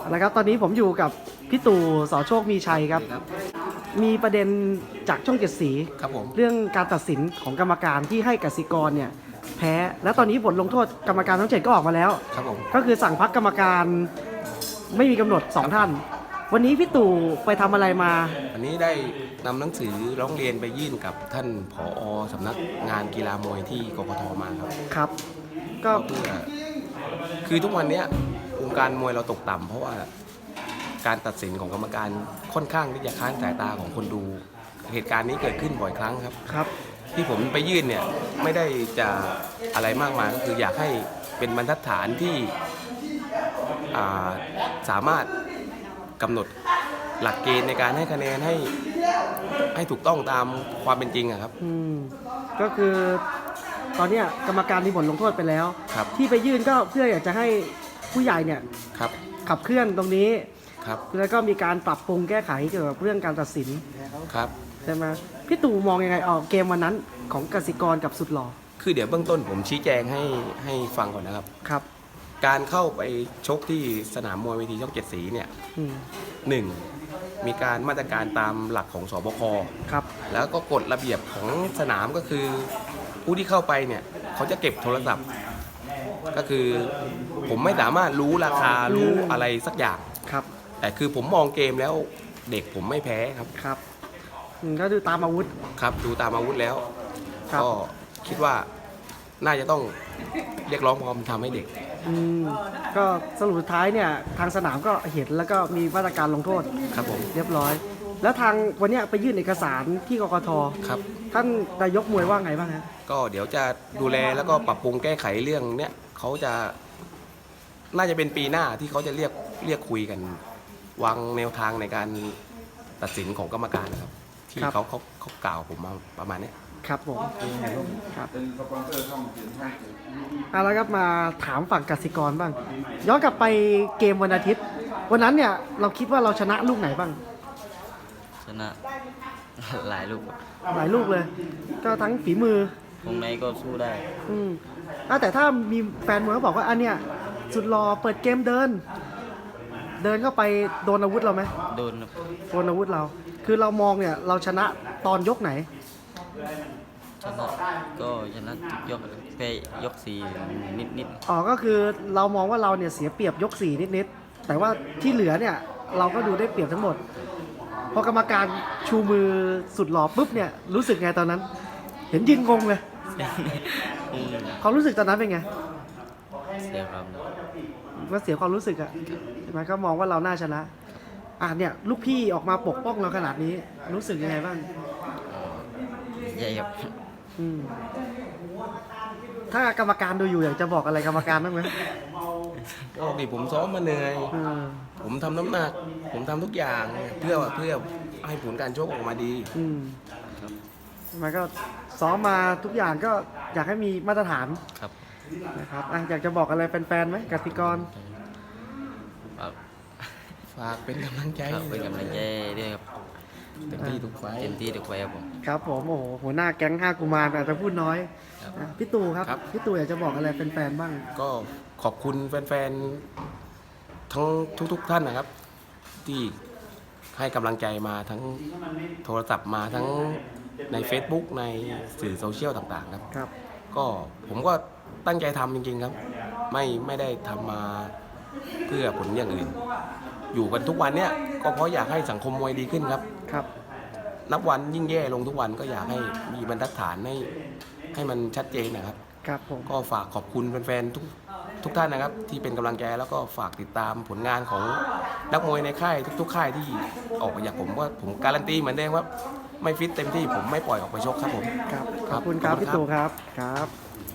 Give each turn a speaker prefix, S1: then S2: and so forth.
S1: นะครับตอนนี้ผมอยู่กับพี่ตู่สอโชคมีชัยครับ มีประเด็นจากช่องเจ็ดสี
S2: ครับผม
S1: เรื่องการตัดสินของกรรมการที่ให้กสิกรเนี่ยแพ้ แล้วตอนนี้บทลงโทษกรรมการทั้ง 7ก็ออกมาแล้ว
S2: ครับผม
S1: ก็คือสั่งพักกรรมการไม่มีกำหนด 2 ท่าน วันนี้พี่ตู่ไปทำอะไรมา
S2: อันนี้ได้นำหนังสือร้องเรียนไปยื่นกับท่านผอ.สำนักงานกีฬามวยที่กกท.มาครับ
S1: ครับ ก็
S2: เพื่อคือทุกวันเนี้ยวงการมวยเราตกต่ำเพราะว่าการตัดสินของกรรมการค่อนข้างที่จะค้านสายตาของคนดู เหตุการณ์นี้เกิดขึ้นบ่อยครั้งครับ
S1: ครับ
S2: ที่ผมไปยื่นเนี่ยไม่ได้จะอะไรมากมายก็คืออยากให้เป็นบรรทัดฐานที่สามารถกำหนดหลักเกณฑ์ในการให้คะแนนให้ถูกต้องตามความเป็นจริงอะครับ
S1: ก็คือตอนเนี้ยกรรมการมีบทลงโทษไปแล้ว
S2: ครับ
S1: ที่ไปยื่นก็เพื่ออยากจะให้ผู้ใหญ่เนี่ย
S2: ครับ
S1: ขับเคลื่อนตรงนี้
S2: ครับ
S1: แล้วก็มีการปรับปรุงแก้ไขเกี่ยวกับเรื่องการตัดสิน
S2: ครับ
S1: ใช่ไหมพี่ตู่มองยังไงออกเกมวันนั้นของกสิกรกับสุดหล่อ
S2: คือเดี๋ยวเบื้องต้นผมชี้แจงให้ฟังก่อนนะครับ
S1: ครับ
S2: การเข้าไปชกที่สนามมวยเวทีช่องเจ็ดสีเนี่ย
S1: อืม
S2: หนึ่งมีการมาตรการตามหลักของสบค
S1: ครับ
S2: แล้วก็กฎระเบียบของสนามก็คือผู้ที่เข้าไปเนี่ยเขาจะเก็บโทรศัพท์ ก็คือผมไม่สามารถรู้ราคารู้อะไรสักอย่าง
S1: ครับ
S2: แต่คือผมมองเกมแล้วเด็กผมไม่แพ้ครับ
S1: ครับก็ดูตามอาวุธ
S2: ครับดูตามอาวุธแล้ว
S1: ครับ
S2: ก็คิดว่าน่าจะต้องเรียกร้องความเป็นธรรมให้เด็ก
S1: อืมก็สรุปสุดท้ายเนี่ยทางสนามก็เห็นแล้วก็มีมาตรการลงโทษ
S2: ครับผม
S1: เรียบร้อย แล้วทางวันเนี้ยไปยื่นเอกสารที่กกท
S2: ครับ
S1: ท่านนายกมวยว่าไงบ้างฮะ
S2: ก็เดี๋ยวจะดูแลแล้วก็ปรับปรุงแก้ไขเรื่องเนี้ยเขาจะน่าจะเป็นปีหน้าที่เขาจะเรียกคุยกันวางแนวทางในการตัดสินของกรรมการนะครับ ที่เขากล่าวผมมาประมาณเนี้ย
S1: ครับผมครับ
S3: เป็นสปอนเซอร์ช่องเจ็ดช่องเจ็ด
S1: แล้วครับมาถามฝั่งกสิกรบ้าง ย้อนกลับไปเกมวันอาทิตย์ วันนั้นเนี่ยเราคิดว่าเราชนะลูกไหนบ้าง
S4: ชนะ หลายลูกครับ
S1: หลายลูกเลย ก็ทั้งฝีมือ
S4: วงในก็สู้ได้
S1: อืมแต่ถ้ามีแฟนมวยเขาบอกว่าอันเนี้ยสุดรอเปิดเกมเดิน เดินเข้าไปโดนอาวุธเราไหม
S4: โดนครับ
S1: โดนอาวุธเรา คือเรามองเนี่ยเราชนะตอนยกไหน
S4: ชนะก็ชนะทุกยกแพ้ยกสี่นิด
S1: อ๋อ ก็คือเรามองว่าเราเนี่ยเสียเปรียบยก4นิดๆ แต่ว่าที่เหลือเนี่ยเราก็ดูได้เปรียบทั้งหมด พอกรรมการชูมือสุดหล่อปุ๊บเนี่ยรู้สึกไงตอนนั้น เห็นยืนงงเลย
S4: ๆอืม
S1: ความรู้สึกตอนนั้นเป็นไง
S4: เสียความ
S1: ว่าเสียความรู้สึกอะใช่ไหมก็มองว่าเราน่าชนะ เนี่ยลูกพี่ออกมาปกป้องเราขนาดนี้ รู้สึกยังไงบ้าง
S4: ใหญ่ครับ
S1: อืมถ้ากรรมการดูอยู่อยากจะบอกอะไรกรรมการบ้างไหม
S2: ก็ดิผมซ้อมมาเหนื่อย
S1: อืม
S2: ผมทำน้ำหนัก ผมทำทุกอย่างเพื่อให้ผลการชกออกมาดี
S1: อืมมันก็ซ้อมมาทุกอย่างก็อยากให้มีมาตรฐาน
S4: ครับ
S1: นะครับอยากจะบอกอะไรแฟนๆไหมกติกร
S4: ครับ
S2: ฝากเป็นกำลังใจ
S4: ครับเป็นกำลังใจด้วยครับ
S2: เต็มที่ทุกไฟท์
S4: เต็มที่ทุกไฟครับผม
S1: ครับผมโอ้โหหัวหน้าแก๊ง5กุมารอาจจะพูดน้อย
S4: ครับ
S1: พี่ตู่ครับพี่ตู่อยากจะบอกอะไรแฟนๆบ้าง
S2: ก็ขอบคุณแฟนๆทั้งทุกท่านนะครับ ที่ให้กำลังใจมาทั้งโทรศัพท์มาทั้งใน Facebook ในสื่อโซเชียลต่างๆครับ
S1: ครับ
S2: ก็ผมก็ตั้งใจทำจริงๆครับ ไม่ได้ทำมาเพื่อผลอย่างอื่น อยู่กันทุกวันเนี้ยก็เพราะอยากให้สังคมมวยดีขึ้นครับ
S1: ครับ
S2: นับวันยิ่งแย่ลงทุกวันก็อยากให้มีบรรทัดฐานให้มันชัดเจนนะครับ
S1: ครับผม
S2: ก็ฝากขอบคุณแฟนๆทุกท่านนะครับ ที่เป็นกำลังใจแล้วก็ฝากติดตามผลงานของนักมวยในค่ายทุกๆค่ายที่ออกมาจากผมว่าผมการันตีเหมือนเดิมว่าไม่ฟิตเต็มที่ผมไม่ปล่อยออกไปชกครับผม
S1: ครับ
S2: ค
S1: ข
S2: รั
S1: อ
S2: บบ
S1: คุณครับ
S2: ขอบคุณครับ
S1: พี่ตู่ครับครับ